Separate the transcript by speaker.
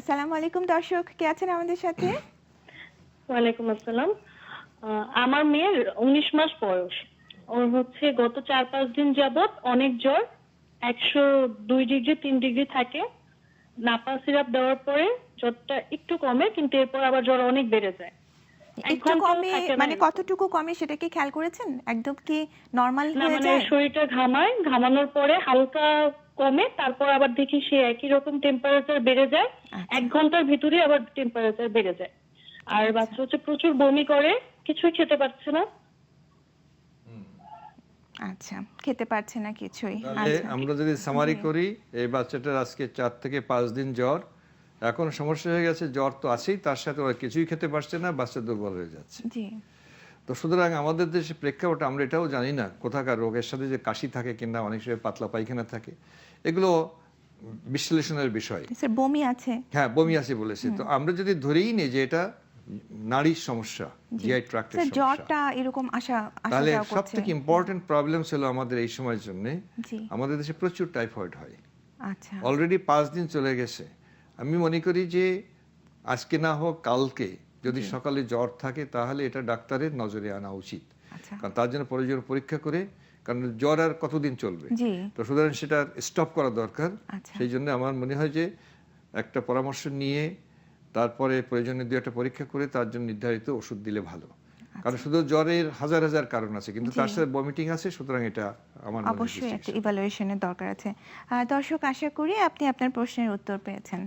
Speaker 1: আসসালামু আলাইকুম দর্শক, কে আছেন আমাদের সাথে?
Speaker 2: ওয়ালাইকুম আসসালাম। আমার মেয়ের ১৯ মাস বয়স। ওর হচ্ছে গত ৪-৫ দিন যাবৎ অনেক জ্বর। ১০২ ডিগ্রি ৩ ডিগ্রি থাকে। নাপা সিরাপ দেওয়ার পরে জ্বরটা একটু কমে, কিন্তু এরপর আবার জ্বর অনেক বেড়ে যায়। ১
Speaker 1: একটু
Speaker 2: ঘন্টাও
Speaker 1: কমে
Speaker 2: থাকে না
Speaker 1: মানে
Speaker 2: এরকম।
Speaker 1: কতটুকু কমে সেটা কি খেয়াল করেছেন? একদম কি নরমাল
Speaker 2: না
Speaker 1: হয়ে
Speaker 2: মানে
Speaker 1: যায়?
Speaker 2: শরীরটা ঘামায়, ঘামানোর পরে হালকা কমে, তারপর আবার দেখি সে একই রকম টেম্পারেচার বেড়ে যায়।
Speaker 1: আচ্ছা
Speaker 2: ১ ঘন্টার ভিতরে আবার টেম্পারেচার বেড়ে যায়। আর
Speaker 1: আচ্ছা
Speaker 2: বাচ্চা হচ্ছে প্রচুর বমি করে, কিছুই খেতে পারছে না।
Speaker 1: আচ্ছা, খেতে পারছে না কিছুই।
Speaker 3: তাহলে
Speaker 1: আচ্ছা
Speaker 3: আমরা যদি সামারি
Speaker 1: জি
Speaker 3: করি, এই বাচ্চাটার আজকে ৪ থেকে ৫ দিন জ্বর। এখন সমস্যা হয়ে গেছে, জ্বর তো আছেই, তার সাথে ওরা কিছুই খেতে পারছে না, বাচ্চা দুর্বল হয়ে যাচ্ছে।
Speaker 1: জি
Speaker 3: তো সুতরাং আমাদের দেশে প্রেক্ষাপটে আমরা এটাও জানি না কোথাকার রোগের সাথে যে কাশি থাকে কিংবা অনেক সময় পাতলা পায়খানা থাকে, এগুলো বিশ্লেষণের বিষয়।
Speaker 1: স্যার বমি আছে?
Speaker 3: হ্যাঁ, বমি আছে বলেছে। তো আমরা যদি ধরেই নিই যে এটা নাড়ির সমস্যা,
Speaker 1: জি
Speaker 3: জিআই ট্রাক্টের
Speaker 1: স্যার,
Speaker 3: সমস্যা,
Speaker 1: জ্বরটা এরকম আসা
Speaker 3: তাহলে
Speaker 1: যাওয়া
Speaker 3: সব
Speaker 1: করছে।
Speaker 3: থেকে ইম্পর্টেন্ট প্রবলেম ছিল আমাদের এই সময়ের জন্য,
Speaker 1: জি
Speaker 3: আমাদের দেশে প্রচুর টাইফয়েড হয়।
Speaker 1: আচ্ছা
Speaker 3: অলরেডি ৫ দিন চলে গেছে। আমি মনে করি যে আজকে না হোক কালকে যদি
Speaker 1: জি
Speaker 3: সকালে জ্বর থাকে, তাহলে এটা ডাক্তারের নজরে আনা উচিত।
Speaker 1: আচ্ছা
Speaker 3: কারণ তার জন্য প্রয়োজন পরীক্ষা করে, কারণ জ্বর আর কতদিন চলবে।
Speaker 1: জি
Speaker 3: তো সুতরাং সেটা স্টপ করা দরকার।
Speaker 1: আচ্ছা
Speaker 3: সেই জন্য আমার মনে হয় যে একটা পরামর্শ নিয়ে তারপরে প্রয়োজনে ২-১টা পরীক্ষা করে তার জন্য নির্ধারিত ওষুধ দিলে ভালো। কারণ
Speaker 1: আচ্ছা
Speaker 3: শুধু জ্বরের হাজার হাজার কারণ আছে, কিন্তু
Speaker 1: জি
Speaker 3: তার সাথে ভমিটিং আছে, সুতরাং এটা আমার মনে হয়
Speaker 1: অবশ্যই একটা
Speaker 3: distinction।
Speaker 1: ইভালুয়েশনের দর্কার আছে। দর্শক, আশা করি আপনি আপনার প্রশ্নের উত্তর পেয়েছেন।